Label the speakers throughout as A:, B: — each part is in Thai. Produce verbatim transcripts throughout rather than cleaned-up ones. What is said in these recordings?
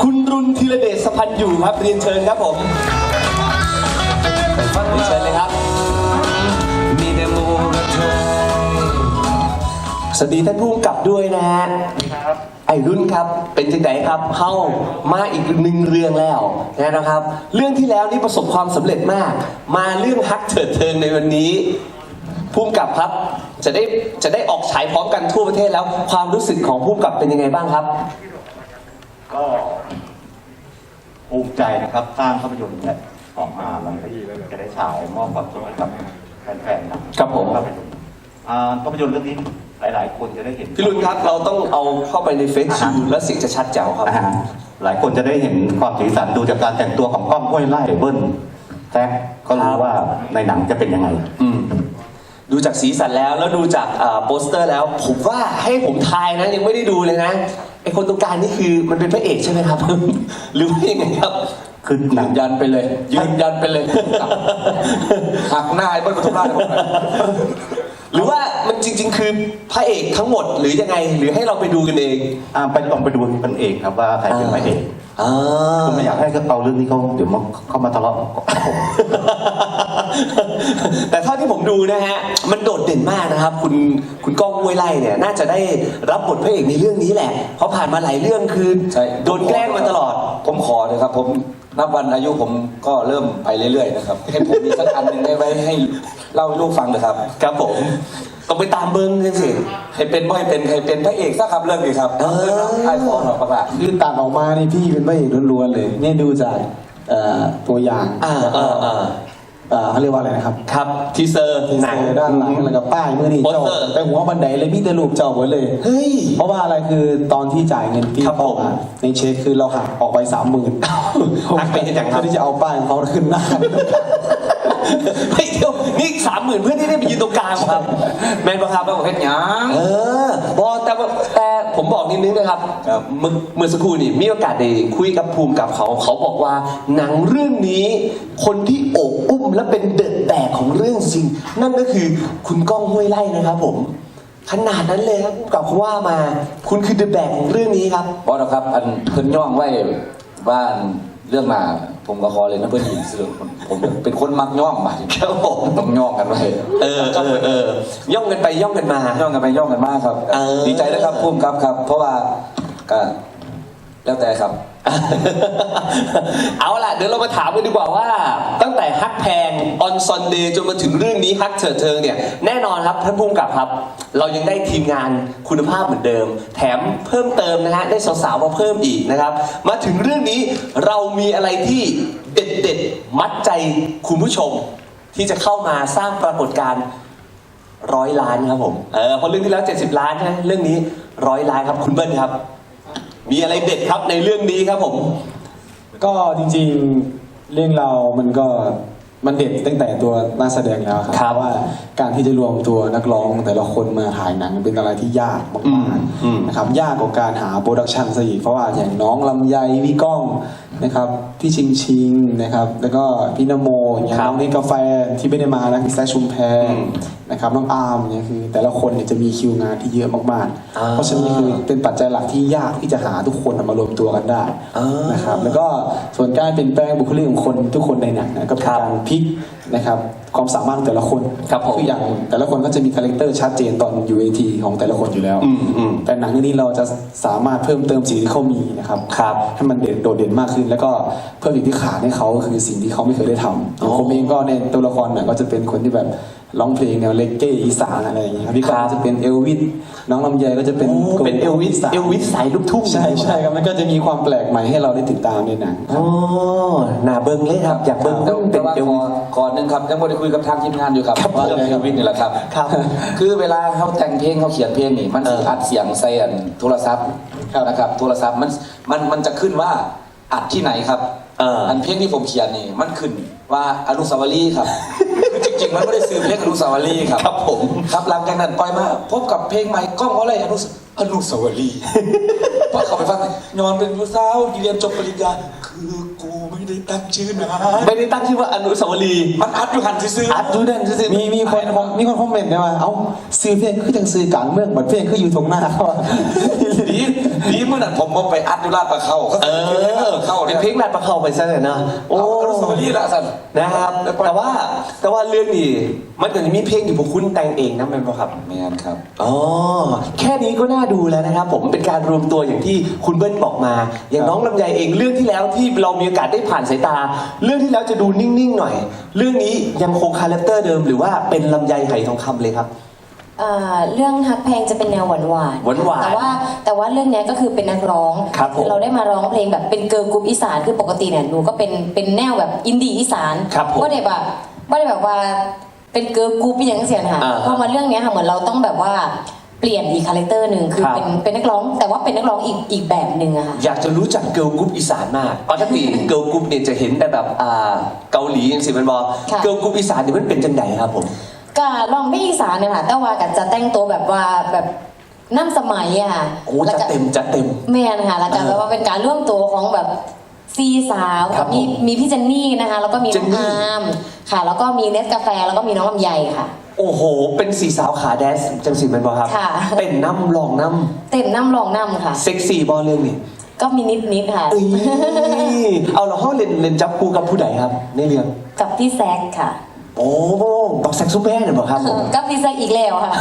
A: คุณรุนธีรเดชสพันธ์อยู่ครับเรียนเชิญครับผมเรียนเชิญเลยครับมีแต่โมกับเธอสวัสดีท่านผู้กำกับด้วยนะฮะไอ้รุ่นครับเป็นจังไดครับเข้ามาอีกหนึ่งเรื่องแล้วนะครับเรื่องที่แล้วนี่ประสบความสำเร็จมากมาเรื่องฮักเถิดเทิงในวันนี้ผู้กำกับครับจะได้จะได้ออกฉายพร้อมกันทั่วประเทศแล้วความรู้สึกของผู้กำกับเป็นยังไงบ้างครับ
B: ก็ภูมิใจนะครับสร้างภาพยนตร์เนี่ยออกมาแล้วจะได้ฉายมอบความสุขให้กับแฟนๆครับ
A: ผม
B: ภาพยนตร์ภาพยนตร์เรื่องนี้หลายๆคนจะได้เห็น
A: พี่ลุนครับเราต้องเอาเข้าไปในเฟซชิลแล้วเสียงจะชัดแจ๋วครับ
B: หลายคนจะได้เห็นความสีสันดูจากการแต่งตัวของก้องห้วยไล่เบิ้ลแท็กก็รู้ว่าในหนังจะเป็นยังไง
A: ดูจากสีสันแล้วแล้วดูจากโปสเตอร์แล้วผมว่าให้ผมทายนะยังไม่ได้ดูเลยนะไอคนตรงกลางนี่คือมันเป็นพระเอกใช่ไหมครับ หรือว่ายังไงครับ
C: คือหนังยันไปเลยยืนยันไปเลยหักหน้าไอ้เบิ้ลปทุมราช
A: หรือว่ามันจริงๆคือพระเอกทั้งหมดหรือยังไงหรือให้เราไปดูกันเอง
B: อ่าไปลองไปดูกันเองครับว่าใครเป็นพระเอกผมไม่อยากให้เขาเอาเรื่องนี้เขาเดี๋ยวมาเข้ามาทะเลาะ
A: แต่เท่าที่ผมดูนะฮะมันโดดเด่นมากนะครับคุณคุณก้องห้วยไร่เนี่ยน่าจะได้รับบทพระเอกในเรื่องนี้แหละเพราะผ่านมาหลายเรื่องคือโดนแกล้งมาตลอด
C: ผมขอเลยครับผมนับวันอายุผมก็เริ่มไปเรื่อยๆนะครับให้ผมมีสักอันหนึ่งให้ไว้ให้เล่าให้ลูกฟังเลยครับ
A: ครับผมต้องไปตามเบิ้งกันสิ
C: ให้เป็นไม่เป็นให้เป็นพระเอกสักคำเรื่องนี้ครับ
A: เออ
C: ไอ้ของเราประกาศ
D: คือตัดออกมานี่พี่เป็นพระเอกล้วนๆเลยเนี่ยดูจากตัวอย่าง
A: อ่าอ่าอ่า
D: เขาเรียกว่าอะไรนะครับ
A: ครับทีเซอร์
D: หนังด้านหลังแล้วก็ป้ายเมื่อนี่เจ้าไปหัวบันไดเลยมีแต่รูปเจ้าหมดเลย
A: เฮ้ย
D: เพราะว่าอะไรคือตอนที่จ่ายเงินพี่เขาอ่ะในเช็คคือเราหักออกไปสามหมื่น
A: หักไปอย่างไร
D: ที่จะเอาป้ายของเขาขึ้นหน้า
A: ไม่เดียวนี่สามหมื่นเพื่อนที่ได้ไปยืนตรงกลางครับแมนประครับแล้วบอกเฮ็ดยังเออบอแต่แต่ผมบอกนิดนึงนะครับเมื่อเมื่อสักครู่นี่มีโอกาสได้คุยกับภูมิกับเขาเขาบอกว่าหนังเรื่องนี้คนที่โอบอุ้มและเป็นเดอะแบกของเรื่องจริงนั่นก็คือคุณก้องห้วยไร่นะครับผมขนาดนั้นเลยครับกับเขาว่ามาคุณคือเดอะแบกของเรื่องนี้ครับ
C: บอสครับอันเพิ่นย่องไว้บ้านเรื่องมาผมก็ขอเลยนะเพื่อนหญิงสิผมเป็นคนมักย่องมา
A: ครับผม
C: ต้องย่องกันไป
A: เออเออเออย่องกันไปย่องกันมา
C: ย่องกันไปย่องกันมาครับดีใจนะครับพุ่มครับครับเพราะว่าก็แล้วแต่ครับ
A: เอาล่ะเดี๋ยวเรามาถามกันดีกว่าว่าตั้งแต่ฮักแพงออนซอนเดย์จนมาถึงเรื่องนี้ฮักเถิดเทิงเนี่ยแน่นอนครับท่านผู้กำกับครับเรายังได้ทีมงานคุณภาพเหมือนเดิมแถมเพิ่มเติมนะฮะได้สาวๆมาเพิ่มอีกนะครับมาถึงเรื่องนี้เรามีอะไรที่เด็ดๆมัดใจคุณผู้ชมที่จะเข้ามาสร้างปรากฏการณ์ร้อยล้านครับผมเออเพราะเรื่องที่แล้วเจ็ดสิบล้านนะเรื่องนี้ร้อยล้านครับคุณเบิ้ลครับมีอะไรเด็ดครับในเรื่องนี้ครับผม
D: ก็จริงๆเรื่องเรามันก็มันเด็ดตั้งแต่ตัวนักแสดงแล้วครับว่าการที่จะรวมตัวนักร้องแต่ละคนมาถ่ายหนังเป็นอะไรที่ยากมากๆนะครับยากกว่าการหาโปรดักชันซะอีกเพราะว่าอย่างน้องลำไยพี่ก้องนะครับพี่ชิงชิงนะครับแล้วก็พี่นโมอย่างน้องนี่กาแฟที่ไม่ได้มาแล้วพี่แซคชุมแพนะครับน้องอาร์มเนี่ยคือแต่ละคนเนี่ยจะมีคิวงานที่เยอะมากๆเพราะฉะนั้นคือเป็นปัจจัยหลักที่ยากที่จะหาทุกคนมารวมตัวกันได้นะครับแล้วก็ส่วนการเปลี่ยนแปลงบุคลิกของคนทุกคนในหนังนะก็เป็นการพลิกนะครับความสามารถแต่ละคนคืออย่างแต่ละคนก็จะมีคาแรคเตอร์ชัดเจนตอนอยู่เวทีของแต่ละคนอยู่แล้วแต่หนังเรื่องนี้เราจะสามารถเพิ่มเติมสิ่งที่เขามีนะครับให้มันเด่นโดดเด่นมากขึ้นแล้วก็เพิ่มสิ่งที่ขาดให้เขาคือสิ่งที่เขาไม่เคยได้ทำผมเองก็ในตัวละครเนี่ยก็จะเป็นคนที่แบบร้องเพลงแนวเลกเก้อีสานอะไรอย่างเงี้ยครับพี่ก้องจะเป็นเอลวิสน้องลำไยก็จะเป็น
A: เป็นเอลวิสเอลวิสสายลูกทุ่ง
D: ใช่ใช่ครับมันก็จะมีความแปลกใหม่ให้เราได้ติดตามในหนัง
A: อ๋อหน้าเบิ้งเลยครับอยากเบิ้งต้องเป็นเอลวิส
C: ก่อนหนึ่งครับยังไม่ได้คุยกับทางทีมงานอยู่ครับว่าเรื่องเอลวิสนี่แหละครับคือเวลาเขาแต่งเพลงเขาเขียนเพลงนี่มันอัดเสียงใส่โทรศัพท์นะครับโทรศัพท์มันมันมันจะขึ้นว่าอัดที่ไหนครับอันเพลงที่ผมเขียนนี่มันขึ้นว่าอนุสาวรีย์ครับจริงๆมันไม่ได้ซื้อเพลงอนุสาวรีย์ครับ
A: ครับผม
C: ครับหลังจากนั้นปล่อยมาพบกับเพลงใหม่ก้องเขาเลยอนุอนุสาวรีย์พอเขาไปฟังย้อนเป็นผู้สาวเรียนจบปริญญาคือกูไม่ได้ตั้งชื่อนะ
A: ไม่ได้ตั้งชื่อว่าอนุสาวรีย์
C: มันอัดอยู่หันซื้อ
A: อัดอยู่นั่นซื้อ
D: มีมีคนมีคนคอมเมนต์ได้ว่าเอ้าซื้อเพลงคือจังซื้อกลางเมืองเหมือนเพลงคืออยู่ตรงหน้าเขา
C: ดีดีเมื่อนั้นผมมาไปอัดอยู่ลาดปลาเขา
A: เออ
C: เข้า
A: เป็นเพลงลาดประเขาไปซะเลยนะโอ้
C: โอ้สวัสดีละสัน
A: นะครับแต่ว่าแต่ว่าเรื่องนี้มันก็จะมีเพลงที่พวกคุณแต่งเองนะเป็นปะครับ
C: แมนครับ
A: อ๋อแค่นี้ก็น่าดูแล้วนะครับผมเป็นการรวมตัวอย่างที่คุณเบิ้ลบอกมา อย่างน้องลำไยเองเรื่องที่แล้วที่เรามีโอกาสได้ผ่านสายตา เรื่องที่แล้วจะดูนิ่งๆหน่อย เรื่องนี้ยังคงคาแรคเตอร์เดิมหรือว่าเป็นลำไยไหทองคำเลยครับ
E: เอ่อเรื่องฮักแพงจะเป็นแนวหวานหวาน
A: หวานๆ
E: แต่ว่าแต่ว่าเรื่องเนี้ยก็คือเป็นนักร้อง
A: ครับผม
E: เราได้มาร้องเพลงแบบเป็นเกิร์ลกรุ๊ปอีสานคือปกติเนี่ยหนูก็เป็นเป็นแนวแบบอินดี้อีสาน
A: ครับผม
E: ว่าได้แบบว่าได้แบบว่าเป็นเกิร์ลกรุ๊ปอย่างเสียนะคะ
A: อ่า
E: พอมาเรื่องเนี้ยค่ะเหมือนเราต้องแบบว่าเปลี่ยนอีกคาแรคเตอร์หนึ่งคือ
A: ครับ
E: เป็นเป็นนักร้อง แต่ว่าเป็นนักร้องอีกอีกแบบหนึ่งอะค่ะ
A: อยากจะรู้จักเกิร์ลกรุ๊ปอีสานมากปกติเกิร์ลกรุ๊ปเนี่ยจะเห็นแต่แบบอ่าเกาหลีอย่างสิมันบอก
E: ค่ะ
A: เกิร์ลกรุ๊ปอีสานเนี่ยมันเป็นจังไดครับผม
E: ก็ลองไม่อีสานเนี่ยค่ะแต่ว่าก็จะแต่งตัวแบบว่าแบบน้ำสมัยอะค่ะ
A: โอ้
E: แล้ว
A: จะ
E: ก็
A: เต็มจะเต็ม
E: แม่นะคะแล้วก็
A: เออ
E: แบบว่าเป็นการร่วมตัวของแบบซีสาว
A: ครับผม
E: มีมีพี่เจนนี่นะคะ แล้วก็มี
A: เจ
E: น้อน ง
A: นี่
E: อาร์มค่ะ แล้วก็มีเนสกาแฟแล้วก็มีน้องลำไยค่ะ
A: โอ้โห เป็นสีสาวขาแดนซ์จังสิมันบอกครับ
E: ค่ะ
A: เต้นน้ำลองน้
E: เต็มน้ำรองน้ำค่ะ
A: ำเซ็กซี่บอลเรื่องนี้
E: ก็มีนิดนิดๆค่ะ
A: เอ้ยเอาเราห้องเล่นเล่นจับคู่กับผู้ใดครับ ในเรื่อง
E: กับพี่แซกค่ะ
A: โอ้บักแซกซุปแม่เนี่ยบอกครับผม
E: กับพี่แซกอีกแล้วค่ะ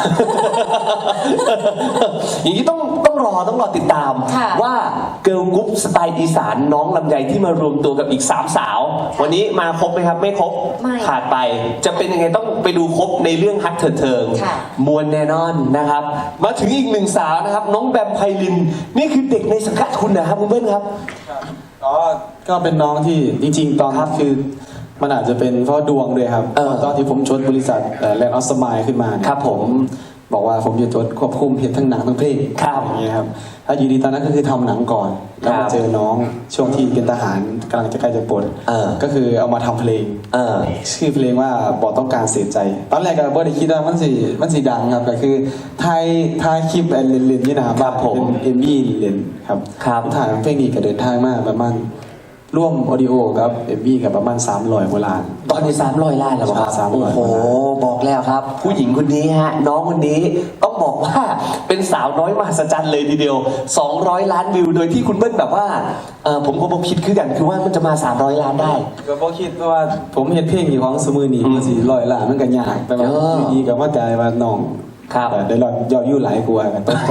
A: อย่างนี้ต้องต้องรอต้องรอติดตาม
E: ค่ะ
A: ว่าเกิร์ลกรุ๊ปสไตล์อีสานน้องลำไยที่มารวมตัวกับอีกสามสาว วันนี้มาครบไหมครับ ไม่ครบ
E: ไม่
A: ขาดไป จะเป็นยังไงต้องไปดูครบในเรื่องฮักเถิดเทิง
E: ค่ะ
A: มวลแน่นอนนะครับ มาถึงอีกหนึ่งสาวนะครับ น้องแบมไพลิน นี่คือเด็กในสังกัดคุณนะครับคุณเบิ้ลครับ
D: ก็ก็เป็นน้องที่จริงๆ ตอนนั้นคือมันอาจจะเป็นเพราะดวงด้วยครับ
A: เออ
D: ตอนที่ผมชวนบริษัทแลนด์ออสมายขึ้นมาเนี่ย
A: ครับผม
D: บอกว่าผมจะจดควบคุมเพจทั้งหนังทั้งเพลง
A: ครับ
D: อย่างเงี้ยครับถ้าอยู่ดีตอนนั้นก็คือทำหนังก่อน แล้ว
A: ครั
D: มา
A: บ
D: เจอน้องช่วงที่เป็นทหารกำลังจะใกล้จะปลด
A: เออ
D: ก็คือเอามาทำเพลง
A: เออ
D: ชื่อเพลงว่าบอกต้องการเสียใจ ตอนแรกก็บ่ได้คิดว่ามันสิมันสิดังครับก็คือไทยไทยคลิปเล่นๆนี่นะครับ
A: ครับผม
D: เป็นเอ็มวีเล่นครับ
A: ครับ
D: ถ่ายเพลงนี้ก็เดินทางมาประมาณร่วมออดิโอกับเอ็มวีกับประมาณสามร้อยโบราณ
A: ตอนนี้สามร้อยล้านแล้วครับ
D: สามร้อย
A: โอ้โห บอกแล้วครับ ผู้หญิงคนนี้ฮะ น้องคนนี้ต้องบอกว่าเป็นสาวน้อยมหัศจรรย์เลยทีเดียว สองร้อยล้านวิว โดยที่คุณเบิ้ลแบบว่าเออผมก็บอกคิดคือกันคือว่ามันจะมา สามร้อยล้านได้
D: ก็บ่คิดว่าผมเห็นเพลงอยู่ของสมือนี้มันสิร้อยล้านมันก็ยากแต่ว่า
A: เออ
D: อยู่ดีก็ว่าใจว่าน้อง
A: ครับ
D: แต่ได้รอดยอดอยู่หลายกว่ากันต้องใจ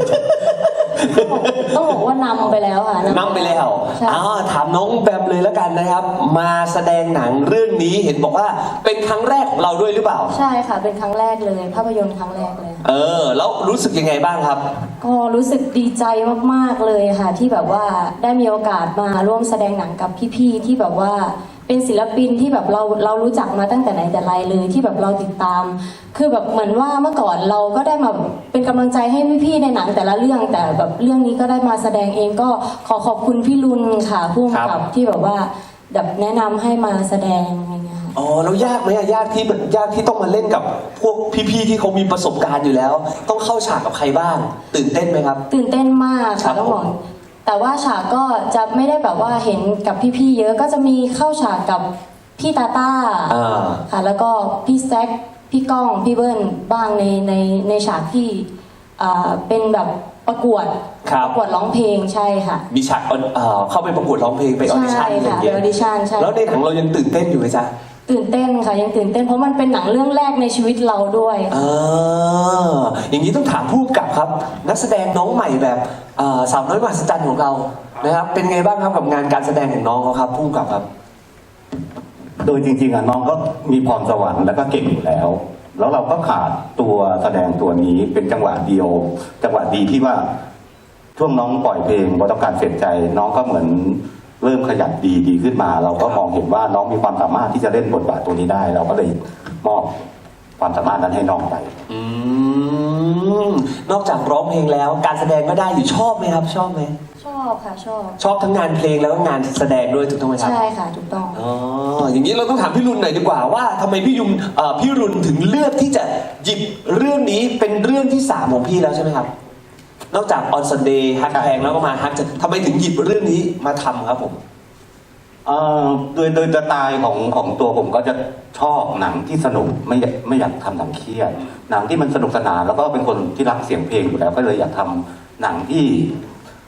E: ต้องบอกว่านำไปแล้วค่ะ
A: นำไปแล้ว
E: ใช่
A: อ้าวถามน้องแบมเลยแล้วกันนะครับ มาแสดงหนังเรื่องนี้เห็นบอกว่าเป็นครั้งแรกของเราด้วยหรือเปล่า
E: ใช่ค่ะ เป็นครั้งแรกเลย ภาพยนตร์ครั้งแรกเลย
A: เออ แล้วรู้สึกยังไงบ้างครับ
E: ก็รู้สึกดีใจมากๆเลยค่ะ ที่แบบว่าได้มีโอกาสมาร่วมแสดงหนังกับพี่ๆที่แบบว่าเป็นศิลปินที่แบบเราเรารู้จักมาตั้งแต่ไหนแต่ไรเลยที่แบบเราติดตาม คือแบบเหมือนว่าเมื่อก่อนเราก็ได้มาเป็นกำลังใจให้พี่ๆในหนังแต่ละเรื่องแต่แบบเรื่องนี้ก็ได้มาแสดงเองก็ขอขอบคุณพี่ลุนค่ะผู้กำ
A: ครั
E: กับบ ที่แบบว่าแบบแนะนำให้มาแสดงอะไรเงี้ยค่ะ
A: อ๋อแล้วยากไหมอะยากที่ยากที่ต้องมาเล่นกับพวกพี่ๆที่เขามีประสบการณ์อยู่แล้ว ต้องเข้าฉากกับใครบ้าง ตื่นเต้นไหมครับ
E: ตื่นเต้นมาก
A: ครั
E: ค่ะ
A: บ
E: ต้องบอก
A: ผม
E: แต่ว่าฉากก็จะไม่ได้แบบว่าเห็นกับพี่ๆเยอะก็จะมีเข้าฉากกับพี่ตาต้า
A: อ่า
E: ค่ะแล้วก็พี่แซคพี่ก้องพี่เบิ้ลบ้างในในในฉากที่อ่าเป็นแบบประกวด
A: ครับ
E: ประกวดร้องเพลงใช่ค่ะ
A: มีฉากออนเอ่อเข้าไปประกวดร้องเพลงไปออดิชั่น
E: ใช่
A: อะไรอย่าง
E: ค่ะ
A: เงี้ย
E: ไป audition ใช่
A: แล้วในหนังเรายังตื่นเต้นอยู่ไหมจ๊ะ
E: ตื่นเต้นค่ะยังตื่นเต้นเพราะมันเป็นหนังเรื่องแรกในชีวิตเราด้วย
A: อ่าอย่างนี้ต้องถามผู้กำกับครับ นักแสดงน้องใหม่แบบอ่าสาวน้อยมหัศจรรย์ของเรานะครับ เป็นไงบ้างครับกับงานการแสดงของน้องเขาครับผู้กำกับครับ
B: โดยจริงๆอ่ะน้องก็มีพรสวรรค์แล้วก็เก่งอยู่แล้ว แล้วเราก็ขาดตัวแสดงตัวนี้เป็นจังหวะเดียว จังหวะดีที่ว่าช่วงน้องปล่อยเพลงบอต้องการเสียใจ น้องก็เหมือนเริ่มขยับดีดีขึ้นมา เราก็มองเห็นว่าน้องมีความสามารถที่จะเล่นบทบาทตัวนี้ได้ เราก็เลยมอบความสามารถนั้นให้น้องไป
A: อืมนอกจากร้องเพลงแล้ว การแสดงก็ได้อยู่ชอบไหมครับ ชอบไหม
E: ชอบค่ะชอบ
A: ชอบทั้งงานเพลงแล้วก็งานแสดงด้วยถูกต้องไหมครับ
E: ใช่ค่ะถูกต้อง
A: อ๋อ อย่างนี้เราต้องถามพี่รุนหน่อยดีกว่าว่าทำไมพี่ยุมเอ่อพี่รุนถึงเลือกที่จะหยิบเรื่องนี้เป็นเรื่องที่สามของพี่แล้วใช่ไหมครับ นอกจากออนซันเดย์ฮักแพงแล้วก็มาฮักจะทำไมถึงหยิบเรื่องนี้มาทำครับผม
B: เอ่อโดยโดยสไตล์ของของตัวผมก็จะชอบหนังที่สนุกไม่อยากไม่อยากทำหนังเครียดหนังที่มันสนุกสนานแล้วก็เป็นคนที่รักเสียงเพลงอยู่แล้วก็เลยอยากทำหนังที่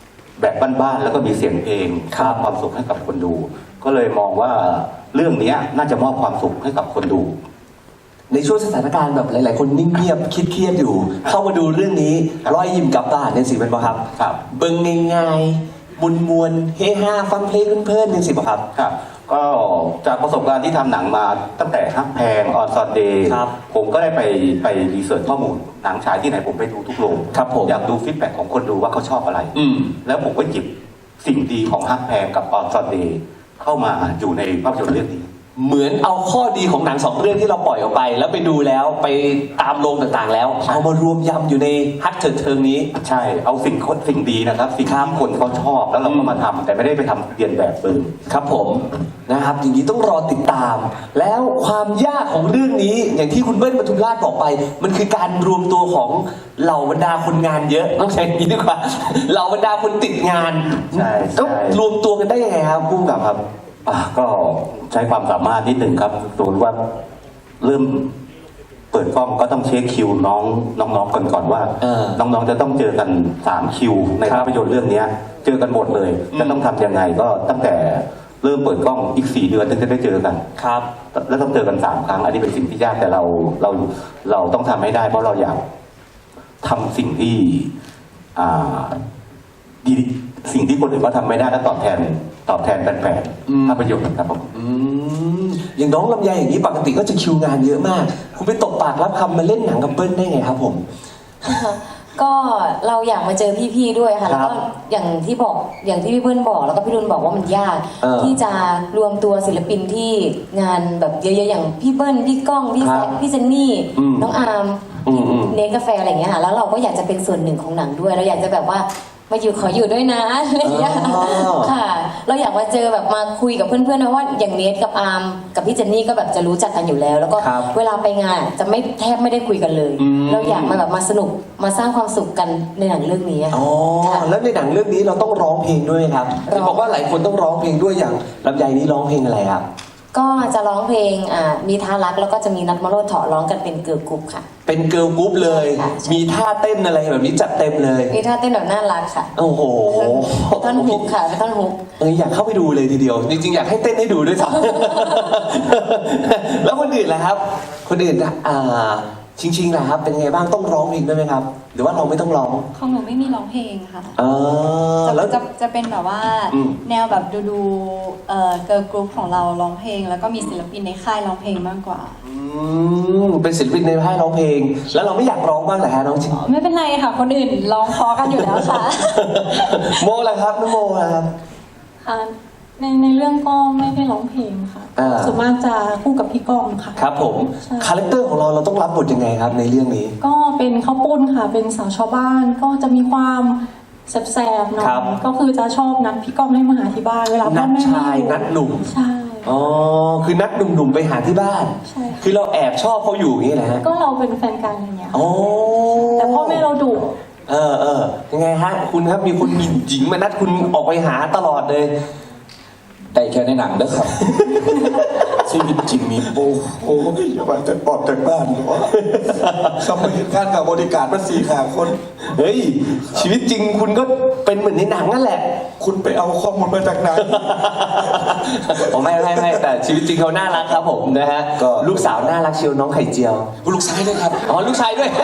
B: แบบบ้านๆแล้วก็มีเสียงเพลงสร้างความสุขให้กับคนดู ก็เลยมองว่าเรื่องนี้น่าจะมอบความสุขให้กับคนดู
A: ในช่วงสถานการณ์แบบหลาย ๆ คนนิ่งเงียบคิดเครียดอยู่ เข้ามาดูเรื่องนี้ร้อยยิ้มกลับบ้านเนี่ยสิเป็นปะครับ
B: ครับ
A: เบิ่งง่ายๆมวลมวลๆเฮฮาฟังเพลงเพลินๆเนี่ยสิปะครับ
B: ครับก็จากประสบการณ์ที่ทำหนังมาตั้งแต่ฮักแพงออนซอนเดย์
A: ครับ
B: ผมก็ได้ไปไปรีเสิร์ชข้อมูลหนังฉายที่ไหนผมไปดูทุกโรง
A: ครับผม
B: อยากดูฟีดแบ็กของคนดูว่าเขาชอบอะไร
A: อืม
B: แล้วผมก็หยิบสิ่งดีของฮักแพงกับออนซอนเดย์เข้ามาอยู่ในภาพยนตร์เรื่องนี้
A: เหมือนเอาข้อดีของหนังสองเรื่องที่เราปล่อยออกไป แล้วไปดูแล้วไปตามโรงต่างๆ แล้ว เอามารวมยำอยู่ในฮักเถิดเทิงนี้
B: ใช่เอาสิ่งสิ่งดีนะครับ สิ่งที่คนเขาชอบแล้วเราก็มาทำแต่ไม่ได้ไปทำเรียนแบบเดิม
A: ครับผมนะครับอย่างนี้ต้องรอติดตาม แล้วความยากของเรื่องนี้อย่างที่คุณเบิ้ลปทุมราชบอกไป มันคือการรวมตัวของเหล่าบรรดาคนงานเยอะต้องใช้อย่างนี้ดีกว่าเหล่าบรรดาคนติดงาน
B: ใช่ใช่
A: ต้องรวมตัวกันได้ยังไงครับพุ่มกับครับ
B: อ่ะก็ใช้ความสามารถนิดหนึ่งครับสมมติว่าเริ่มเปิดกล้องก็ต้องเช็คคิวน้องน้องๆกันก่อนว่า
A: เออ
B: น้องๆจะต้องเจอกันสามคิวใน
A: ครับ
B: ภาพยนตร์เรื่องเนี้ย เจอกันหมดเลย
A: อืม
B: จะต้องทำยังไงก็ตั้งแต่เริ่มเปิดกล้องอีกสี่เดือนถึงจะได้เจอกัน
A: ครับ
B: แล้วต้องเจอกันสามครั้ง อันนี้เป็นสิ่งที่ยากแต่เราเราเราต้องทำให้ได้ เพราะเราอยากทำสิ่งที่อ่าดีสิ่งที่คนอื่นก็ทำไม่ได้แล้วตอบแทนตอบแทนแฟน
A: อืม
B: ๆภาพยนตร์ครับผม
A: อืมอย่างน้องลำไยอย่างนี้ปกติก็จะคิวงานเยอะมาก คุณไปตบปากรับคำมาเล่นหนังกับเบิ้ลได้ไงครับผม
E: ก็เราอยากมาเจอพี่ๆด้วยค่ะ
A: ค
E: แล้
A: รั
E: ว
A: บ
E: ก็อย่างที่บอกอย่างที่พี่เบิ้ลบอกแล้วก็พี่รุนบอกว่ามันยาก
A: เออ
E: ที่จะรวมตัวศิลปินที่งานแบบเยอะๆอย่างพี่เบิ้ลพี่ก้องพี่
A: ครั
E: แซ
A: บ
E: คพี่เจนนี่
A: อืม
E: น้องอาร์ม
A: อืมอืม
E: เนสกาแฟอะไรอย่างเงี้ยค่ะแล้วเราก็อยากจะเป็นส่วนหนึ่งของหนังด้วยเราอยากจะแบบว่ามาอยู่ขออยู่ด้วยนะอะไรอย่างเงี้ย
A: อ๋อ
E: ค่ะ เราอยากมาเจอแบบมาคุยกับเพื่อนๆนะว่าอย่างเนสกับอาร์มกับพี่เจนนี่ก็แบบจะรู้จักกันอยู่แล้ว แล้วก็
A: ครับ
E: เวลาไปงานจะไม่แทบไม่ได้คุยกันเลย
A: อืม
E: เราอยากมาแบบมาสนุกมาสร้างความสุขกันในหนังเรื่องนี้อะ
A: อ๋อ
E: ค่ะ
A: แล้วในหนังเรื่องนี้เราต้องร้องเพลงด้วยครับ
E: ร้อง
A: ที่บอกว่าหลายคนต้องร้องเพลงด้วยอย่างลำไยนี้ร้องเพลงอะไรครับ
E: ก็จะร้องเพลงอ่ามีท่ารักแล้วก็จะมีนัดมาโรดเถาะร้องกันเป็นเกิร์ลกรุ๊ปค่ะ
A: เป็นเกิร์ลกรุ๊ปเลย
E: ใช่ค่ะใช่
A: มีท่าเต้นอะไรแบบนี้จัดเต็มเลย
E: มีท่าเต้นแบบน่ารักค่ะ
A: โอ้โห
E: เป็นท่อนฮุกค่ะเป็นท่อนฮุก
A: เอออยากเข้าไปดูเลยทีเดียว จริงๆอยากให้เต้นให้ดูด้วยซ้ำ แล้วคนอื่นล่ะครับ คนอื่นอ่าชิงชิงๆล่ะครับ เป็นไงบ้างต้องร้องเพลงด้วยไหมครับ หรือว่าเราไม่ต้องร้อง
F: ของหนูไม่มีร้องเพลงค่ะ
A: อ่า
F: จะ
A: แล้ว
F: จะจะเป็นแบบว่า
A: อืม
F: แนวแบบดูดูเอ่อเกิร์ลกรุ๊ปของเราร้องเพลง แล้วก็มีศิลปินในค่ายร้องเพลงมากกว่า
A: อืมเป็นศิลปินในค่ายร้องเพลง แล้วเราไม่อยากร้องบ้างเหรอฮะน้องชิง
F: ไม่เป็นไรค่ะ คนอื่นร้องเพอกันอยู่แล้วค่ะ
A: โมล่ะครับน้องโมล่ะครับ
G: ค่ะในในเรื่องก็ไม่ได้ร้องเพลงค่ะ
A: อ่า
G: ส่วนมากจะคู่กับพี่ก้องค่ะ
A: ครับผม
G: ใช่
A: คาแรคเตอร์ของเราเราต้องรับบทยังไงครับ ในเรื่องนี้
G: ก็เป็นข้าวปุ้นค่ะ เป็นสาวชาวบ้านก็จะมีความแสบๆหน่อ
A: ครับ
G: ยก็คือจะชอบนัดพี่ก้องให้มาหาที่บ้านเวลาพ่
A: นั
G: อ
A: ด
G: แม่
A: ชาย
G: ไม่อยู่
A: นัดหนุ่ม
G: ใช่
A: อ๋อคือนัดหนุ่มๆไปหาที่บ้าน
G: ใช่ค่ะ
A: คือเราแอบชอบเขาอยู่อย่างนี้แหละฮะ
G: ก็เราเป็นแฟนกันอะไรเงี้ย
A: อ๋อ
G: แต่พ่อแม่เราดุ
A: เออเออยังไงฮะ คุณครับมีคนหญิงมานัดคุณออกไปหาตลอดเลย
C: ได้แค่ในหนังเด้อครับ ชีวิตจริงมีโอ้โหอย่ามาจะออกจากบ้านหรอทำไมงานกับบริการมาสี่ขาคน
A: เฮ้ย ชีวิตจริงคุณก็เป็นเหมือนในหนังนั่นแหละ
C: คุณไปเอาข้อมูลมาจากไหน
A: ผมไม่ไม่ไม่แต่ชีวิตจริงเขาน่ารักครับผมนะฮะ
C: ก็
A: ลูกสาวน่ารักเชียวน้องไข่เจียว
C: ลูกชายด้วยครับ
A: อ๋อลูกชายด้วย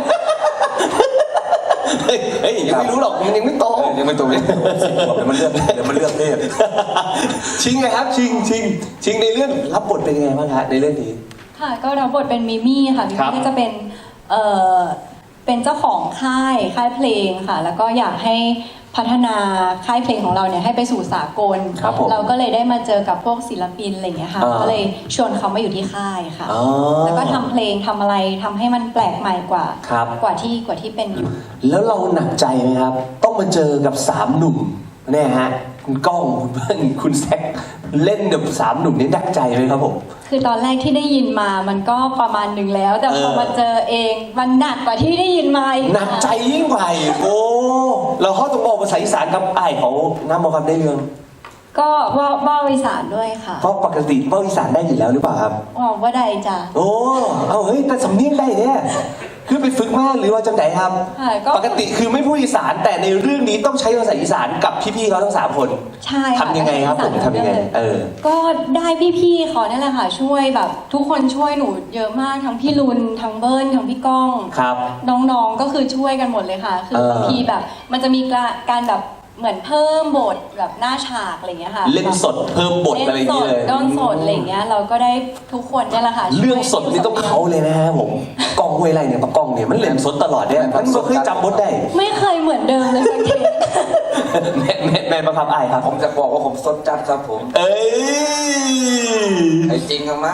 A: เฮ้ยเฮ้ยยังไม่รู้หรอกมันยังไม่โต
C: เออยังไม่โตเลยสิบขวบเดี๋ยวมันเลือกเดี๋ยวมันเลือกเพศ
A: ชิงไงครับชิงชิงชิงในเรื่องรับบทเป็นยังไงบ้างฮะในเรื่องนี้
F: ค่ะ ก็รับบทเป็นมิมี่ค่ะมิ
A: ครับ
F: มี่ก็จะเป็นเอ่อเป็นเจ้าของค่ายค่ายเพลงค่ะ แล้วก็อยากให้พัฒนาค่ายเพลงของเราเนี่ยให้ไปสู่สากล
A: ครับผม
F: เราก็เลยได้มาเจอกับพวกศิลปินอะไรอย่างเงี้ยค่ะ
A: อ่า
F: ก็เลยชวนเขามาอยู่ที่ค่ายค่ะ
A: อ๋อ
F: แล้วก็ทำเพลงทำอะไรทำให้มันแปลกใหม่กว่า
A: ครับ
F: กว่าที่กว่าที่เป็นอยู่
A: แล้วเราหนักใจไหมครับ ต้องมาเจอกับสามหนุ่มเนี่ยฮะคุณก้องคุณเบิ้ลคุณแซคเล่นกับสามหนุ่มนี่หนักใจไหมครับผม
F: คือตอนแรกที่ได้ยินมามันก็ประมาณหนึ่งแล้ว แต่พอ
A: เออ
F: มาเจอเองมันหนักกว่าที่ได้ยินมาอีก
A: หนักใจยิ่งกว่าอีกโอ้เราเข้าตรงบอกภาษาอีสานกับไอ้ายเขาน้ำมอกับได้เรื่อง
F: ก็ว่าว่าอีสานด้วยค่ะ
A: เพราะปกติเบ้าอีสานได้อยู่แล้วหรือเปล่าครับ
F: อ๋อว่าใดจ้ะ
A: โอ้เอาเฮ้ยแต่สำเนียงได้เนี่ยคือไปฝึกมากหรือว่าจังไหนครับ
F: ค่ะก็
A: ปกติคือไม่พูดอีสานแต่ในเรื่องนี้ต้องใช้ภาษาอีสานกับพี่ๆเขาทั้งสามคน
F: ใช่ค่ะ
A: ทำยังไงครับผมทำยังไงเออ
F: ก็ได้พี่ๆเขานั่นแหละค่ะช่วยแบบทุกคนช่วยหนูเยอะมากทั้งพี่ลุนทั้งเบิ้ลทั้งพี่ก้อง
A: ครับ
F: น้องๆก็คือช่วยกันหมดเลยค่ะ คือ
A: เออ
F: บางทีแบบ มันจะมีการแบบเหมือนเพิ่มบทแบบหน้าฉากอะไรอย่างเงี้ยค่ะ
A: เล่นสดเพิ่มบทอะไรอย่าง
F: เล่
A: นี้
F: นส
A: เล
F: ด
A: ย
F: ด้นสดอะไรอย่างเงี้ยเราก็ได้ทุกคนเนี่ยแหละค่ะ
A: เรื่องสดนี่ต้องเขาเลยนะฮะผมกล้องห้วยไรเนี่ยปะกล้องเนี่ยมันเล่นสดตลอดเนี่ยมันไม่เคยจำบทได้
F: ไม่เคยเหมือนเดิมเลยสักที
A: แม่แม่แม่ประคับอายครับ
C: ผมจะบอกว่าผมสดจัดครับผม
A: เอ้ย
C: ไอ้จริงอะมา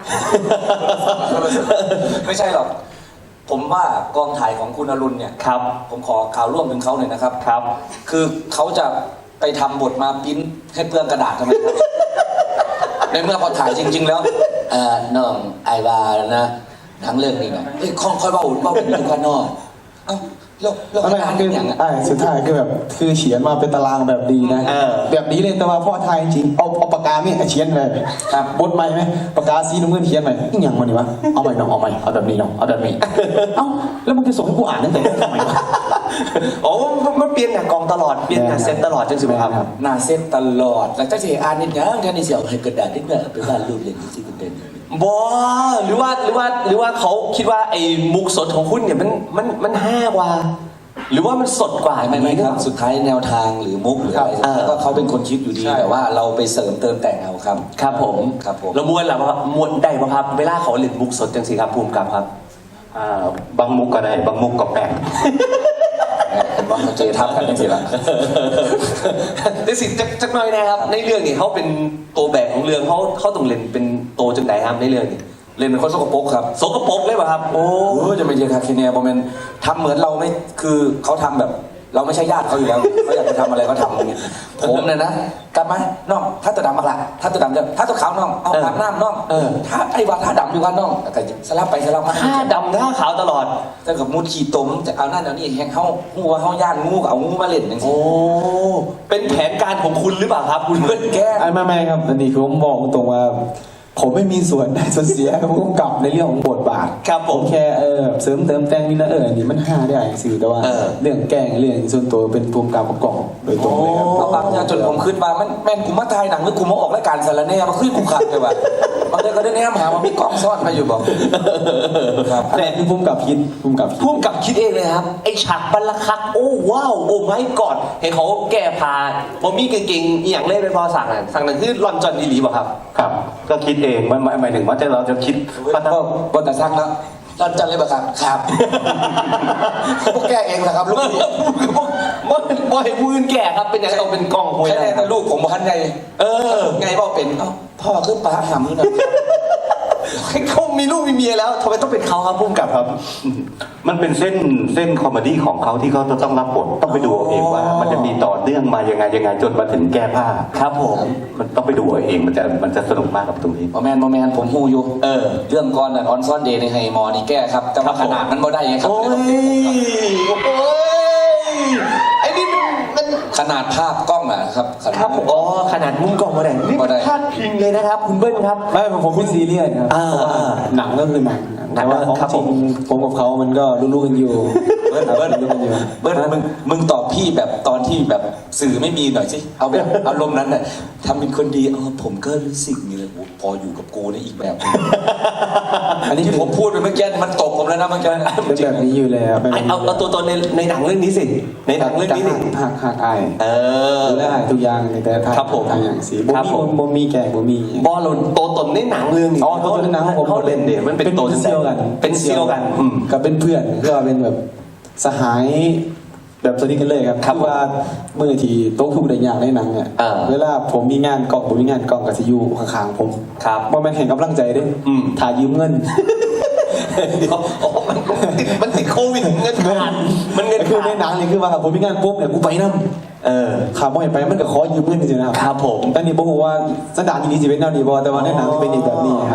C: ไม่ใช่หรอก ผมว่ากองถ่ายของคุณอรุณเนี่ย
A: ครับ
C: ผมขอข่าวร่วมถึงเขาหน่อยนะครับ
A: ครับ
C: คือเขาจะไปทำบทมาปริ้นให้เปลืองกระดาษทำไมครับ ในเมื่อพอถ่ายจริง ๆ แล้วเอ่อน้องไอวานะหนังเรื่องนี้นะเฮ้ยค่อยค่อยเบาเบาเป็นทุกคนนอกเอ้าแล้วแล้ว
D: อะไร
C: งาน
D: คือ
C: อย่างอ่ะ
D: อ่าสุดท้ายคือแบบคือเขียนมาเป็นตารางแบบดีนะ
A: เออ
D: แบบนี้เลยแต่ว่าพ่อไทยจริงเอาเอาปากกาเนี่ยเขียนไปครับบทใหม่ไหมปากกาสีน้ำเงินเขียนใหม่อีกอย่างมันนี่วะเอาใหม่น้องเอาใหม่เอาแบบนี้น้องเอาแบบนี้เอ้าแล้วมึงจะส่งให้กูอ่านตั้งแต่ทำไมวะ
A: โอ้มันเปลี่ยนหน้ากองตลอดเปลี่ยนหน้าเซตตลอดจังสิครับ
C: หน้าเส้นตลอด แล้วจะเสียอ่านนิดยังแค่นี้เสียให้กระดาษนิดหน่อยไปบ้านรูปเล่นที่คุณเป็น
A: บอหรือว่าหรือว่าหรือว่าเขาคิดว่าไอ้มุกสดของคุณเนี่ยมันมันมันห้ากว่า หรือว่ามันสดกว่า
C: ไม่ไม่ครับสุดท้ายแนวทางหรือมุกหรืออะไร
A: เออ
C: แล้วก็เขาเป็นคนคิดอยู่ดี แต่ว่าเราไปเสริมเติมแต่งเอาครับ
A: ครับผม
C: ครับผม
A: แล้วมวนล่ะว่ามวนได้ป่ะครับเวลาเขาเล่นมุกสดจังสิครับภูมิกับครับ
B: อ่าบางมุกก็ได้บางมุกก็แปลก
C: เห็นว่าเขาเจทับกันจริงๆแล้ว
A: แต่สิจักจักหน่อยนะครับในเรื่องนี้เขาเป็นตัวแบกของเรื่องเขาเขาต้องเล่นเป็นโตจังไหนครับในเรื่องนี้
C: เล่นเป็นคนสกปรกครับ
A: สกปรกเลยป่ะครับโอ้
C: โอ้จะไม่ใช่ครับทีเนี้ยโมเมนต์ทำเหมือนเราไม่คือเขาทำแบบ เราไม่ใช่ญาติเขาอยู่แล้วเขาอยากจะทำอะไรก็ทำอย่างเงี้ยผมเนี่ยนะกลับมาน้องถ้าตัวดำมาละถ้าตัวดำจะถ้าตัวขาวน้องเอาอาบน้ำน้องถ้าไอ้ว่าถ้าดำอยู่กันน้องแต่สลับไปสลับมา
A: ถ้าดำถ้าขาวตลอด
C: แต่กับมูดขี่ตมจะเอานั่นเอานี่แหงเขางูว่าเขาย่านงูก็เอางูมาเล่นอย่าง
A: โอ้
C: นี้
A: เป็นแผนการของคุณหรือเปล่าครับคุณเพื่อนแก
D: ไอ้ไม่ไม่ครับอันนี้คือผมบอกตรงว่า ผมไม่มีส่วนได้ส่วนเสียกับผู้กำกับในเรื่องของบทบาท
A: ครับผม
D: แค่เออเสริมเติมแต่งนี่นะเอออันนี้มันห้าได้สื่อแต่ว่า
A: เออ
D: เรื่องแกล้งเรื่องส่วนตัวเป็นภูมิกับประกอบโดยตรงเลยครับ
C: เอาบางอย่างจนผมขึ้นมามันแม่นกูมาถ่ายหนังหรือกูมาออกรายการสารแหน่มาขึ้นกูขัดเลยว่ะบางทีก็ได้แนมหาว่ามีกล้องซ่อนมาอยู่บอกครับ
D: แต่คือภูมิกับคิดภูมิกับคิด
A: พุ่มกับคิดเองเลยครับ ไอฉากบรรลักคัก โอ้ว้าว โอ้ไม่กอดเห็นเขาแก้ผ้าบอมี่เก่งๆอหย่างเล่นไปพอสั่งน่ะสั่งนั่นคือลอนจอนอีหลีป่ะครับ
B: ครับ ก็คิดเองมันหมายหมายถึงว่าจะเราจะคิดว่าถ้า
C: ก็บนแต่ซักแล้วตอนจันเลยป่ะครับครับพวกแกเองนะครับลูกพี่
A: บ่บ่ให้ผู้อื่นแก่ครับ เป็นอย่างต้องเป็นกล้องห้วย
C: แค่
A: ไร
C: แต่ลูกผมบอกทันไง
A: เออ
C: ไงบอกเป็นเอ้าพ่อขึ้นปลาหำนี่หน่อย
A: เขามีลูกมีเมียแล้วทำไมต้องเป็นเขาครับพุ่มกับครับ
B: มันเป็นเส้นเส้นคอมเมดี้ของเขาที่เขาจะต้องรับบทต้องไปดูเอาเองว่า มันจะมีต่อเนื่องมายังไงยังไงจนมาถึงแก้ผ้า
A: ครับผม
B: มันต้องไปดูเอาเองมันจะมันจะสนุกมากกับตรงนี้
C: โมแมนโมแมนผมฮูอยู่
A: เออ
C: เรื่องก่อนน่ะออนซ่อนเดย์ในไฮมอนี่แก้ครับแต่ว่าขนาดมันบ่ได้ไงครับ
A: โอ้ย โอ้ย ไอ้นี่มันมัน
C: ขนาดภาพกล้องอะครับขนาด
A: ครับผมอ๋อขนาดมุมกล้องมาได้นี่
C: บ่ได้
A: พลาดพิงเลยนะครับ คุณเบิ้ลครับ
D: ไม่ผมผมไม่ซีเรียสครับ
A: อ่า
D: เพราะว่าหนังก็คือหนังแต่ว่าของ
A: ครับ
D: จ
A: ผ
D: ริ
A: ม
D: งผมกับเขามันก็รู้ๆกันอยู่
C: เบิ้ลเบิ้ล
D: รู้ๆกันอยู่
C: เบิ้ลมึงมึงตอบพี่แบบตอนที่แบบสื่อไม่มีหน่อยสิเอาแบบอารมณ์นั้นน่ะทำเป็นคนดีเออผมก็รู้สึกนี่เลยโอ้พออยู่กับกูนี่อีกแบบหนึ่ง
D: อันนี้
C: ที่ผมพูดไปเมื่อกี้มันตกผมแล้วนะเมื่อกี้
D: เป็นแบบนี้อยู่แล้วเป็น
A: ไอ้เอาเอาตัวตนในในหนังเรื่องนี้สิ ในหนังเรื่องนี้สิ
D: หักหักอาย
A: เออ
D: ดูแลอายทุกอย่างในแต่ทาง
A: ครับผม
D: ทางอย่างสีบ่
A: ครับ
D: มี
A: ผม
D: บ่มีแก่บ่มี
A: บอลลนตัวตนในหนังเรื่องนี้
D: อ๋อตัวตนในหนังของผม
A: เขาเล่นเนี่ยมันเป็นตัว
D: เซียวกัน
A: เป็นเซียวกันอืม
D: ก็เป็นเพื่อนก็เป็นแบบสหายแบบสนิทกันเลยครับ
A: ครับ
D: อว่าเมื่อที่โต๊ะทุกได้อย่างในหนังเนี่ย
A: อ่า
D: เวลาผมมีงานกองผมมีงานกองกับซิอยูข้างๆผม
A: ครับ
D: ว่ามันเห็นกำลังใจเด้วย
A: อืม
D: ถ่ายยืมเงิน
A: เดี๋ยวอ๋อมันติดมันติดโควิดเงินขาดมันเงิน
D: คือ
A: ขา
D: ใน
A: ด
D: หนังนี่คือว่าผมมีงานปุ๊บเนี่ยกูไปนั่
A: เออ
D: ข่าวบ่อยไปมันก็ขอยืมเงินจริงๆนะครับ
A: ครับผม
D: แต่นี่ผมบอกว่าสันดานที่นี่สิเป็นแนวนี้บอแต่ว่าในหนังเป็นอีกแบบนี้ครับ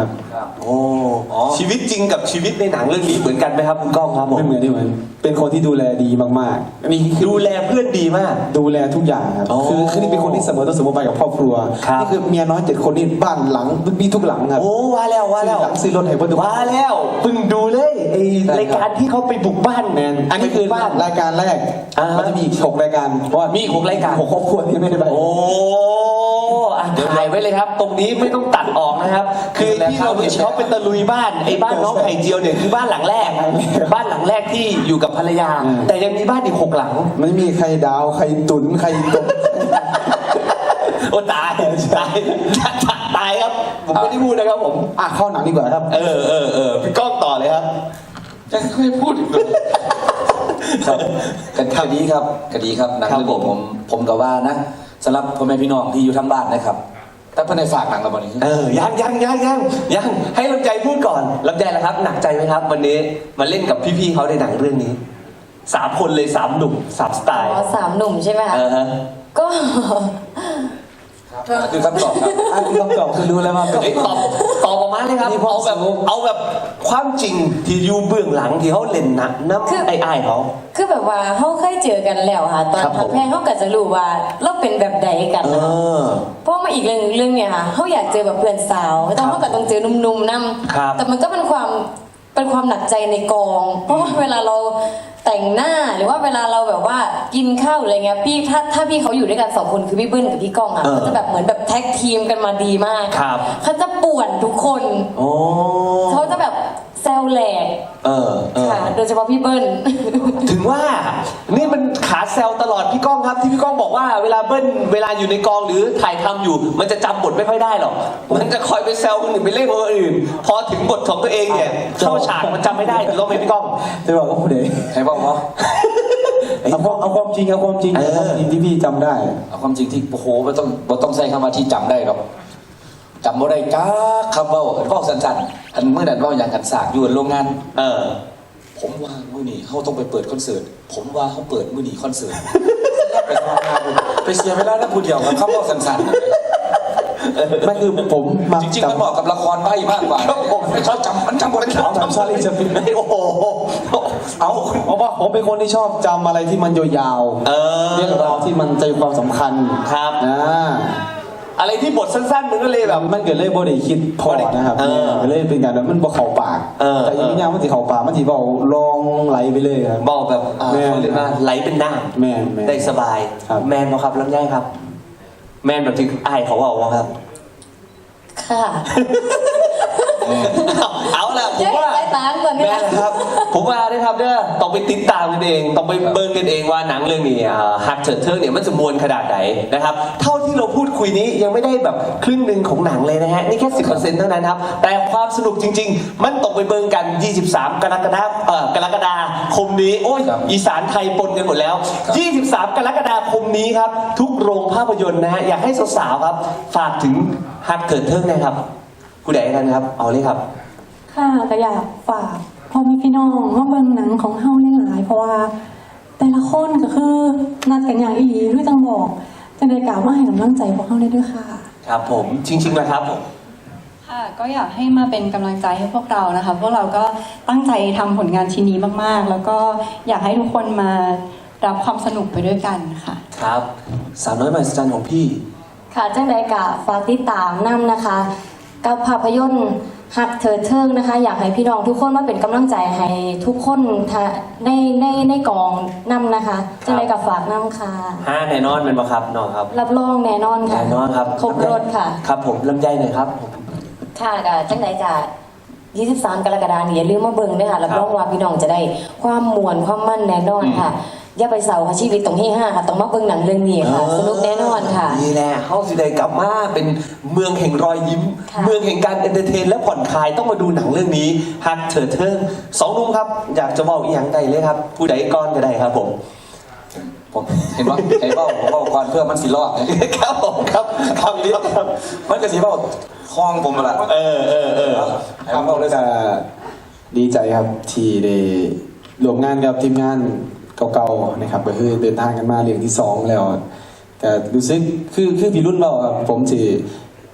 C: ครับ
A: โอ้ชีวิตจริงกับชีวิตในหนังเรื่องนี้เหมือนกันไหมครับคุณก้องครับผม
D: ไม่เหมือนที่เหมือนเป็นคนที่ดูแลดีมากๆอันนี้คือ
A: ดูแลเพื่อนดีมาก
D: ดูแลทุกอย่างครับ
A: อ๋อ
D: คือคือนี่เป็นคนที่เสมอต้นเสมอปลายกับครอบครัว
A: ครับ
D: นี่คือเมียน้อยเจ็ดคนนี่บ้านหลังมีทุกหลังครับ
A: โอ้ว่าแล้วว่าแล้ว
D: ซื้อหลังซื้อรถให้เพื่อนทุกคน
A: ว่าแล้วเพิ่งดูเลยไอ้
D: ใช่ครับ
A: รายการที่เขาไปบุกบ้าน
D: แมนอันนี้คือ
A: บ้าน
D: รายการแรก
A: อ่ามั
D: มันจะมีอีกหกรายการเพราะว่า
A: มีอีกหกรายการ
D: หกครอบครัวที่ไม่ได้ไป
A: โอ้อ่ะถ่ายไว้เลยครับ ตรงนี้ไม่ต้องตัดออกนะครับ คือที่เราเห็นเขาเป็นตะลุยบ้านไอ้บ้านน้องไข่เจียวเนี่ยคือบ้านหลังแรก บ้านหลังแรกที่อยู่กับภรรยา
D: อืม
A: แต่ยังมีบ้านอีกหกหลัง
D: มันมีใครดาวใครตุนใครตก
A: โอ้ตายตายตายครับ ผมไม่ได้พูดนะครับผม
D: อ่ะเข้าหนังดีกว่าครับ
A: เออเออเออพี่ก้องต่อเลยครับ
C: จะไม่พูดอีกเลยครับกันคดีครับคดีครับหนัง
A: ครับ
C: เรื่องนี้ผมผมกับว่านะสำหรับพ่อแม่พี่น้องที่อยู่ทั้งบ้านนะครับถ้าเพื่อนในฝากหนังเราวันนี้
A: เออยังยังยังยังยังให้ลำใจพูดก่อนลำใจละครับ หนักใจไหมครับ วันนี้มาเล่นกับพี่ๆเขาในหนังเรื่องนี้สามคนเลยสามหนุ่มสามสไตล์
E: อ๋อสามหนุ่มใช่ไหมคะ
A: เออฮะ
E: ก็
C: คือคำตอบครับ
D: อ่ะคือคำตอบคือรู้แล้วว่า
A: เอ้ยตอบตอบออกมาเลยครับ
D: มีความ
A: เอาแบบ
D: สุข
A: เอาแบบความจริงที่อยู่เบื้องหลังที่เขาเล่นนะน้ำไอ้ไอ้ายเขา
E: คือแบบว่าเขาเคยเจอกันแล้วค่ะ ตอน
A: ครับผม
E: ทำแพงเขาก็จะรู้ว่าเราเป็นแบบใดกัน
A: เอ
E: นะคะ
A: อ
E: เพราะมาอีกเรื่องหนึ่งเรื่องเนี่ยค่ะเขาอยากเจอแบบเพื่อนสาวแต่เขาก็ต้องเจอหนุ่มๆนั่
A: ครับ
E: แต่มันก็เป็นความเป็นความหนักใจในกอง เพราะว่าเวลาเราแต่งหน้าหรือว่าเวลาเราแบบว่ากินข้าวอะไรเงี้ยพี่ถ้าถ้าพี่เขาอยู่ด้วยกันสองคนคือพี่เบิ้ลกับพี่ก้องอ่ะ
A: เออ
E: เขาจะแบบเหมือนแบบแท็กทีมกันมาดีมาก
A: ครับ
E: เขาจะป่วนทุกคน
A: โอ้
E: เขาจะแบบแซวแหลก
A: เออเออ
E: ค่ะ โดยเฉพาะพี่เบิ้ล
A: ถึงว่านี่มันขาแซวตลอดพี่ก้องครับ ที่พี่ก้องบอกว่าเวลาเบิ้ลเวลาอยู่ในกองหรือถ่ายทำอยู่ มันจะจำบทไม่ค่อยได้หรอกมันจะคอยไปแซวคนอื่นไปเล่นคนอื่น พอถึงบทของตัวเองเนี่ยเข้าฉากมันจำไม่ได้ถูกต้องไหมพี่ก้อง
D: จะบอกว่าผู้ใด
C: ใครบอกว่า
D: เอาความเอาความจริงเอาความจริง
A: เออ
D: เอาความจริงที่พี่จำได้
C: เอาความจริงที่โอ้โหไม่ต้องไม่ต้องใช้คำว่าที่จำได้หรอกจำไม่ได้จ้าคำเว่าเว่าสั้นๆอันเมื่อนั้นเว่าอย่างกันสากอยู่โรงงาน
A: เออ
C: ผมว่ามื่อนี้เขาต้องไปเปิดคอนเสิร์ตผมว่าเขาเปิดมื่อนี้คอนเสิร์ตไปทำงานไปเสียเวลาแล้วพูดเดียวกับคำเว่าสั้นๆ
D: ไม่คือผมมา
C: จริงๆมันเหมาะกับละครใบ้มากกว่า
A: ครับผม
C: ไม่ชอบจำมันจำบทไม่ชอบ
D: จำชาลีจะเป็น
A: โอ้โห
D: เอาเพราะว่าผมเป็นคนที่ชอบจำอะไรที่มันยาว
A: เออ
D: เรื่องราวที่มันใจความสำคัญ
A: ครับ
D: อ่า
A: อะไรที่บทสั้นๆมันก็เลยแบบ
D: มันเกิดเลยบ่ได้คิดพอนะครับ
A: เออ
D: ก็เลยเป็นการแบบมันบ่เข้าปาก
A: เออ
D: แต่อยังไม่ยาวมันสิเข้าปากมันสิเบาลองไหลไปเลยครับ
A: บอกแบบอ่า
D: แม่น
A: เขาเรียกว่าไหลเป็นน้
D: แม่นแม่น
A: ำได้สบาย
D: ครับ
A: แมนบ่ครับลำไยครับ แมนแบบที่ไอ้ายเขาบอกว่าครับ
E: ค่ะ
A: เอาเอาละผมว่า
E: เจ๊ไปตามก่อนเนี่ย
A: แม่นะครับ ผมว่าได้ครับเด้อต้องไปติดตามกันเองต้องไปเบิ่งกันเองว่าหนังเรื่องนี้ฮักเถิดเทิงเนี่ยมันจะมวลขนาดไหนนะครับเท่าที่เราพูดคุยนี้ยังไม่ได้แบบครึ่งหนึ่งของหนังเลยนะฮะนี่แค่สิบเปอร์เซ็นต์เท่านั้นครับแต่ความสนุกจริง ๆ มันต้องไปเบิ่งกันยี่สิบสามกรกฎาคมเอ่อกรกฎาคมนี้โอ้ย
C: ครับ
A: อีสานไทยปนกันหมดแล้ว ยี่สิบสาม กรกฎาคมนี้ครับทุกโรงภาพยนตร์นะฮะอยากให้สาวๆครับฝากถึงฮักเถิดเทิงนะครับผู้ใดกันครับเอาเลยครับ
G: ค่ะก็อยากฝากพ่อแม่พี่น้องว่าเบิ่งหนังของเฮาหลายๆเพราะว่า แต่ละคนก็คือนัดกันอย่างอีหลีคือจังบอกจังได้กล่าวว่าให้กำลังใจพวกเฮาได้ด้วยค่ะ
A: ครับผมจริงๆนะครับผม
F: ค่ะก็อยากให้มาเป็นกำลังใจให้พวกเรานะคะพวกเราก็ตั้งใจทำผลงานชิ้นนี้มากๆ แล้วก็อยากให้ทุกคนมารับความสนุกไปด้วยกันค่ะ
A: ครับสาวน้อยมหัศจรรย์ของพี่
E: ค่ะจังใดกะฝากติดตามนํนะคะ กับภาพยนตร์หักเถิดเทิงนะคะ อยากให้พี่น้องทุกคนมาเป็นกำลังใจให้ทุกคนทะในในในกองนํนะคะจังใดกะฝากนํค่ะ
A: ห้าแน่นอนเป็นปะครับน้องครับ
E: รับรองแน่นอนค่ะ
A: แน่นอนครับ
E: ครบรถค่ะ
A: ครับผมลำไยหน่อยครับผม
E: ค่ะกะจังใดกะยี่สิบสาม กรกฎาคมนี้อย่าลืมมาเบิ่งด้วยค่ะรับรองว่าพี่น้องจะได้ความมวลความมั่นแน่นอนค่ะ อย่าไปเศร้าค่ะชีวิตตรงที่ห้าค่ะต้องมาเบิ่งหนังเรื่องนี้ค่ะ สนุกแน่นอนค่ะ
A: นี่แหละเฮาสิได้กลับมาเป็นเมืองแห่งรอยยิ้ม
E: ค่ะ
A: เมืองแห่งการเอนเตอร์เทนและผ่อนคลายต้องมาดูหนังเรื่องนี้ฮักเถิดเทิงสองหนุ่มครับ อยากจะบอกอีกอย่างใดเลยครับ ผู้ใดก้อนก็ได้ครับผม
C: ผมเห็นว่าเห็นว่าผมว่าก่อนเพื่อมันสิรอดนะครับ
A: ผมครับคำนี้ครับ
C: มันก็สิว่าคล้องผมมาละ
A: เออเออเออ
D: ครับผมก็ดีใจครับที่ได้ร่วมงานกับทีมงานเก่าๆนะครับก็คือเดินทางกันมาเรื่องที่สองแล้วแต่รู้สึกคือคือพี่รุ่นเราครับผมสิ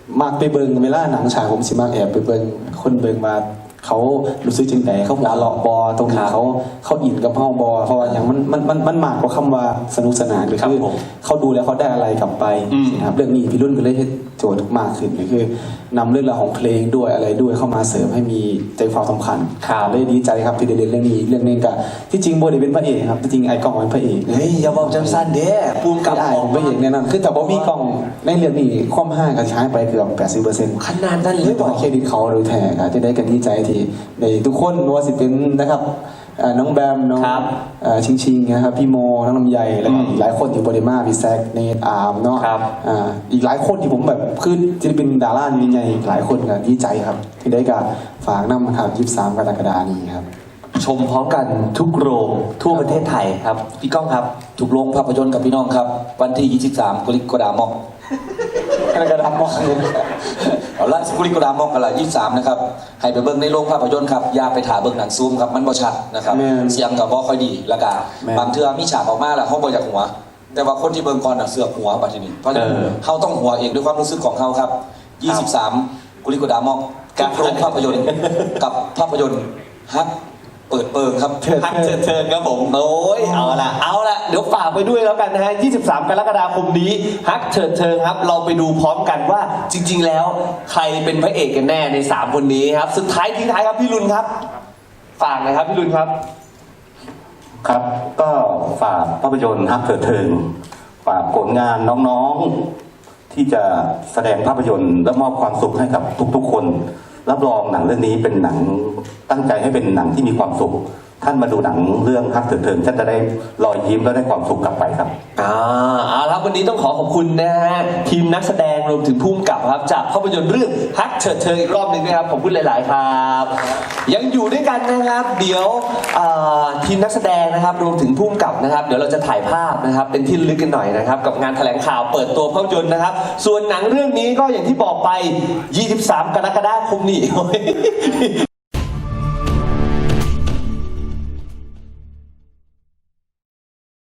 D: มากไปเบิงเวลาหนังฉายผมสิมากแอบไปเบิงคนเบิงมาเขารู้สึกจังไดเขาหัวเราะบอตรงนี้เขาเขาอินกับเฮาบอเพราะว่าอย่างมันมันมันมันมากกว่าคำว่าสนุกสนานก็คือเขาดูแล้วเขาได้อะไรกลับไปนะครับเรื่องนี้พี่รุ่นก็เลยให้โจทย์มากขึ้นก็คือนำเรื่องราวของเพลงด้วยอะไรด้วยเข้ามาเสริมให้มีใจความสำคัญเลยดีใจครับที่ได้เล่นเรื่องนี้เรื่องนึงกับที่จริงโบได้เป็นพระเอกครับที่จริงไอ้กล้องเป็นพระเอก
A: เฮ้ยอย่าบอกจังสั้นเด้ภูมิกับ
D: ไอ้ผมพระเอกแน่นอนคือแต่บ่มีกล้องในเรื่องนี้ความห้างก็ใช้ไปเกือบแปดสิบเปอร์เซ็นต์
A: ขนาดนั้นเล
D: เรื่อย ง
A: บ
D: ต่
A: อ
D: อก เครดิตเขาโดยแท้ครับจะได้กันดีใจที่ในทุกคนนัวาสิเป็นนะครับเอ่อน้องแบมน้อง
A: ครับ
D: เอ่อชิงชิงนะครับพี่โมน้องลำไยแล้วก็อีกหลายคนที่โบเดมาพี่แซกเนทอาร์มเนาะ
A: ครับ
D: อ่าอีกหลายคนที่ผมแบบคือจะเป็นดาราใหญ่ๆหลายคนก็ดีใจครับ ที่ได้การฝากนำมาครับยี่สิบสามกรกฎาคมนี้ครับ
A: ชมพร้อมกันทุกโรงทั่วประเทศไทยครับพี่ก้องครับ
C: ทุกโรงภาพยนตร์กับพี่น้องครับ วันที่ ยี่สิบสามกรกฎาคม
D: กรกฎาคม
C: เอาละกรกฎาคมกันละยี่สิบสามนะครับให้ไปเบิ่งในโรงภาพยนตร์ครับอย่าไปถ่ายเบิ่งหนังซูมครับมันบ่ชัดนะครับ
D: แม่น
C: เสียงก็บ่ค่อยดีแล้วก็
D: แม่น
C: บางเทื่อมีฉากออกมาแล้วเฮาบ่อยากหัว แต่ว่าคนที่เบิ่งก่อนน่ะเสือกหัวบัดทีนี้เพราะฉะนั้น
A: เออ
C: เฮาต้องหัวเองด้วยความรู้สึกของเฮาครับ ยี่สิบสามกรกฎาคมกับโรงภาพยนตร์กับภาพยนตร์ฮักเปิดเปิงครับ
A: ฮักเชิญเชิญครับผมโอ้ยเอาละเอาละเดี๋ยวฝากไปด้วยแล้วกันนะฮะยี่สิบสามกรกฎาคมนี้ฮักเชิญเชิญครับเราไปดูพร้อมกันว่าจริง ๆ แล้วใครเป็นพระเอกกันแน่ในสามคนนี้ครับสุดท้ายทิ้งท้ายครับพี่รุนครับฝากหนะครับพี่รุนครับ
B: ครับก็ฝากภาพยนตร์ฮักเถิดเทิงฝากผลงานน้องๆที่จะแสดงภาพยนตร์และมอบความสุขให้กับทุกๆคน รับรองหนังเรื่องนี้เป็นหนังตั้งใจให้เป็นหนังที่มีความสุข ท่านมาดูหนังเรื่องฮักเถิดเทิงท่านจะได้รอยยิ้มและได้ความสุขกลับไปครับ
A: อ่าเอาละครับวันนี้ต้องขอขอบคุณนะฮะทีมนักแสดงรวมถึงผู้กำกับครับจากภาพยนตร์เรื่องฮักเฉิดเชิงอีกรอบหนึ่งนะครับขอบคุณหลาย ๆ ครับ ยังอยู่ด้วยกันนะครับ เดี๋ยวอ่าทีมนักแสดงนะครับรวมถึงผู้กำกับนะครับ เดี๋ยวเราจะถ่ายภาพนะครับ เป็นที่ระลึกกันหน่อยนะครับ กับงานแถลงข่าวเปิดตัวภาพยนตร์นะครับ ส่วนหนังเรื่องนี้ก็อย่างที่บอกไป ยี่สิบสาม กรกฎาคมนี้